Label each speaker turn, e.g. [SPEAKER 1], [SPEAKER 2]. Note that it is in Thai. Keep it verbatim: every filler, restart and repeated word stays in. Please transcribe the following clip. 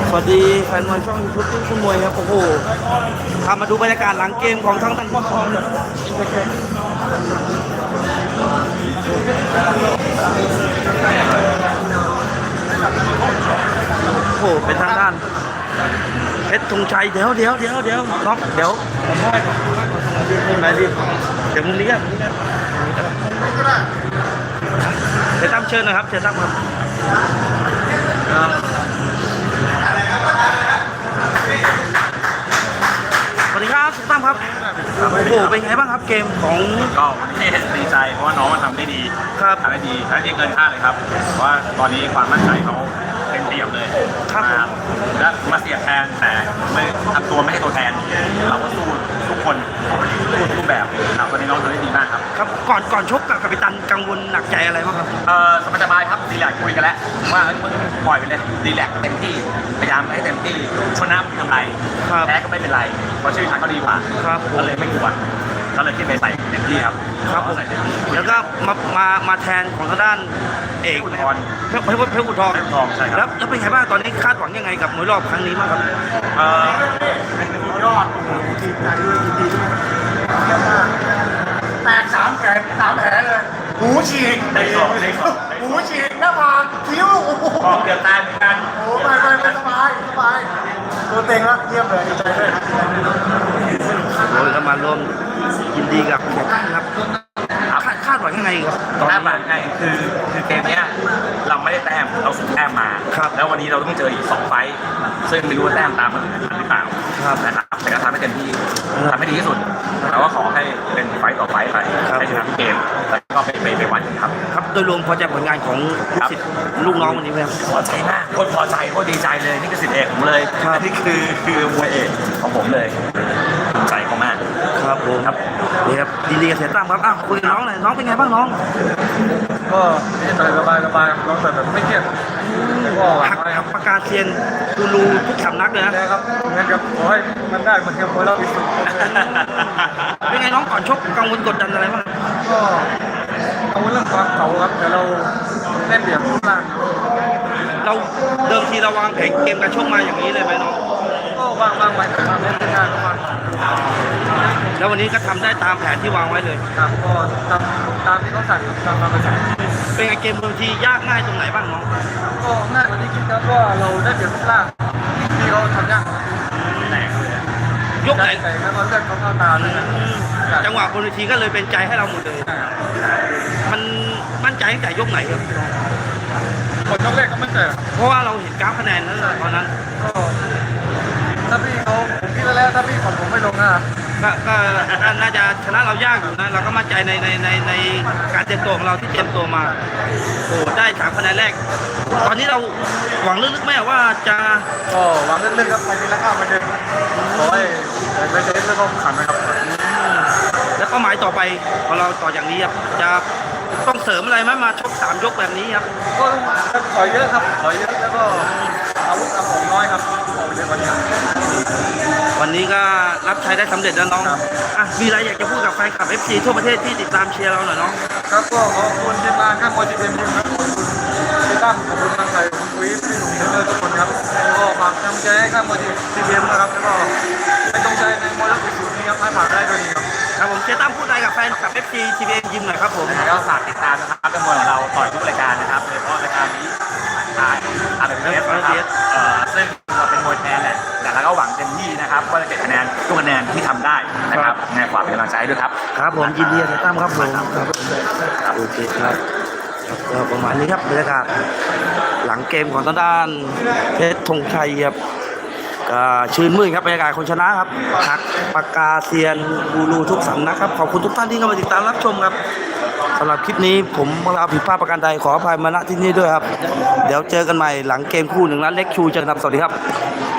[SPEAKER 1] สวัสดีแฟนมวยช่องยูทูบตุ้งมวยครับโอ้โหพามาดูบรรยากาศหลังเกมของทั้งทั้งพ่อทองโอ้โหเป็นทางด้านเพชรธงชัยเดี๋ยวเดี๋ยวเดี๋ยวเดี๋ยวน็อกเดี๋ยวไปดิเดี๋ยวมุมนี้ครับเดี๋ยวตั้มเชิญนะครับเชิญตั้มครับสวัสดีครับตั้มครับโอ้โหเป็นไงบ้างครับเกมของ
[SPEAKER 2] ก็วันนี้ดีใจเพราะว่าน้องมันทำได้ดี
[SPEAKER 1] ครับ
[SPEAKER 2] ทำได้ดีทำได้เกินคาดเลยครับเพราะว่าตอนนี้ความมั่นใจเขาเต็มเปี่ยมเลย
[SPEAKER 1] ครับ
[SPEAKER 2] และมาเสียแทนแต่ไม่ทำตัวไม่ให้ตัวแทนเราก็สู้ทุกคนสู้ทุกแบบครับวันนี้น้องทำได้ดีมากครับ
[SPEAKER 1] ครับก่อนก่อนชกกับกัปตันกังวลหนักใจอะไรบ้างครับ
[SPEAKER 2] เออสบายๆครับดีแลกคุยกันแล้วว่ามึงปล่อยไปเลยดีแลกเต็มที่พยายามให้เต็มที่ชนะไม่ทำไรแพ้ก็ไม่เป็นไรเพราะชื่อทางเขาดีกว่าก็เลยไม่กลัวก็เลยขึ้นไปใส่เต็มที่ครับ
[SPEAKER 1] ครับผมแล้วก็มามามาแทนของทางด้านเอก
[SPEAKER 2] อุทธร
[SPEAKER 1] เพชรเพชรอุทธร
[SPEAKER 2] เพชรอุทธรใช่ครับ
[SPEAKER 1] แล้วแล้วเป็นไงบ้างตอนนี้คาดหวังยังไงกับมวยรอบครั้งนี้บ้างครับ
[SPEAKER 2] เออยอดทีมใจด้วยทีม
[SPEAKER 3] แตกสามแผลสามแผลเลยหูฉีก
[SPEAKER 2] ได้สองได้สอง
[SPEAKER 3] หูฉีกหน้าผากคิ้วโอ้โห
[SPEAKER 2] เดือดตายเหมือนกัน
[SPEAKER 3] โอ้ไปไปไปสบายสบายตัวเต็งแล้วเยี่ยมเลยดีใจด้วย
[SPEAKER 1] โอ้ยก็มาร่วมยินดีกับแขกครับคาดคาดหวังยังไงครับ
[SPEAKER 2] คาดหวังไงคือคือเกมนี้เราไม่ได้แต้มเราสูงแต้มมาแล้ววันนี้เราต้องเจออีกสองไฟซึ่งไม่รู้ว่าแต้มตามมาถึงหรือเปล่านะครับแต่ก็ทำให้เต็มที่ทำให้ดีที่สุดแต่ว่าขอให้เป็นไฟต่อไฟไปให้ชนะทุกเกมแล้วก็ไปไปไปวันครับ
[SPEAKER 1] ครับโดยรวมพอใจผลงานของสิทธิ์ลูกน้องวันนี้ไหมครับ
[SPEAKER 2] พอใจมากโคตรพอใจโคตรดีใจเลยนี่คือสิทธิ์เอกผมเลยนี่คือคือมวยเอกของผมเลยภูมิใจเขามาก
[SPEAKER 1] ครับผมครับนี่ครับยินดีกับเสียตั้มครับอ้าวคุยกับน้องหน่อยน้องเป็นไงบ้างน้อง
[SPEAKER 3] ก็นี่สบายสบายสบายน้องแบบไม่เครียด
[SPEAKER 1] หักหักประกาศเซียนกูรูทุกสำนักเลย
[SPEAKER 3] นะครับเหมือนกับโอ้ยมันได้มันเทียมโอยเราที่สุด
[SPEAKER 1] เป็นไงน้องก่อนชกกังวลกดดันอะไรบ้าง
[SPEAKER 3] ก็กังวลเรื่องความเก่าครับแต่เราเล่นเดี่ยวทุกล่าง
[SPEAKER 1] เราเดิมทีเราวางแผนเกมการชกมาอย่างนี้เลยไหมน้อง
[SPEAKER 3] ก็วางวางไว้แต่ทำได้ไม่ได้ก็วาง
[SPEAKER 1] แล้ววันนี้ก็ทำได้ตามแผนที่วางไว้เลย
[SPEAKER 3] ครับก็ตามตามที่เขาสั่งตามตามไปสั่ง
[SPEAKER 1] เป็นไงเกมบางทียากง่ายตรงไหนบ้างน้อง
[SPEAKER 3] ก็ง่ายกว่าที่คิดครับว่าเราได้เปรียบทุกล่างที่เขาทำยาก
[SPEAKER 1] ยกไหน
[SPEAKER 3] ใส่แล้วก็เลือดเขาเข้าตาเลย
[SPEAKER 1] จังหวะบนเวทีก็เลยเป็นใจให้เราหมดเลยมันมั่นใจตั้งแต่ยกไหนครับ
[SPEAKER 3] หมดยกแรกก็มั่นใจ
[SPEAKER 1] เพราะว่าเราเห็นกราฟคะแนนนั้นตอนนั้น
[SPEAKER 3] ก็ถ้าพี่เขาผมคิดแล้วถ้าพี่ของผมไม่ลงนะ
[SPEAKER 1] ก็ก็น่าจะชนะเรายากอยู่นะเราก็มั่นใจในในในในการเตรียมตัวของเราที่เตรียมตัวมาโอ้ได้สามคะแนนแรกตอนนี้เราหวังลึกๆไหมว่าจะ
[SPEAKER 3] ก็หวังลึกๆครับไปทีละก้าวไปเดินขอให้ไปเดินแล้วก็ขันนะครับ
[SPEAKER 1] แล้วก็หมายต่อไปของเราต่ออย่างนี้ครับจะต้องเสริมอะไรไหมมาชกสามยกแบบนี้ครับ
[SPEAKER 3] ก็ต่อยเยอะครับต่อยเยอะแล้วก็อาวุธอาของน้อยครับวันนี้
[SPEAKER 1] วันนี้ก็รับใช้ได้สำเร็จแล้วน้องอ่ะมีอะไรอยากจะพูดกับแฟนคลับ เอฟ ซี ทั่วประเทศที่ติดตามเชียร์เราหน่อยน้อง
[SPEAKER 3] ครับก็ขอบคุณทีมงานข้างมวยทีมทีมครับพี่ตั้มขอบคุณทางไทยคุณคุยพี่หนุ่มเนื้อทุกคนครับก็ฝากกำลังใจให้ข้างมวยทีมทีมนะครับแล้วก็เป็นกำลังใจในมวยรักสูตรนี้ครับให้ผ่านได้ด้วยดีครับ
[SPEAKER 1] ครับผมเชียร์ตั้มพูดอะไรกับแฟนคลับ เอฟ ซี ที วี เอ็ม ยิมหน่อยครับผม
[SPEAKER 2] ก็ฝากติดตามนะครับเป็นมวยของเราต่อยทุกรายการนะครับโดยเฉพาะรายการนี้ทางอาร์เอสนะครับซึ่งเราเป็นมวยแทนแหละแต่เราก็หวังเต็มที่นะครับว่าจะเก็บคะแนนทุกคะแนนที่ทำได้นะครับในฝากเป็นกำลังใจด้วยครับ
[SPEAKER 1] ครับผมยินดีกับตั้มครับผมครับโอเคครับก็ประมาณนี้ครับบรรยากาศหลังเกมของทางด้านเพชรธงชัยครับชื่นมื่นครับบรรยากาศคนชนะครับหักปากกาเซียนกูรูทุกสำนักครับขอบคุณทุกท่านที่เข้ามาติดตามรับชมครับสำหรับคลิปนี้ผมเราผิดพลาดประการใดขออภัยมาณที่นี่ด้วยครับเดี๋ยวเจอกันใหม่หลังเกมคู่หนึ่งนัดเล็กชูเจอกันครับสวัสดีครับ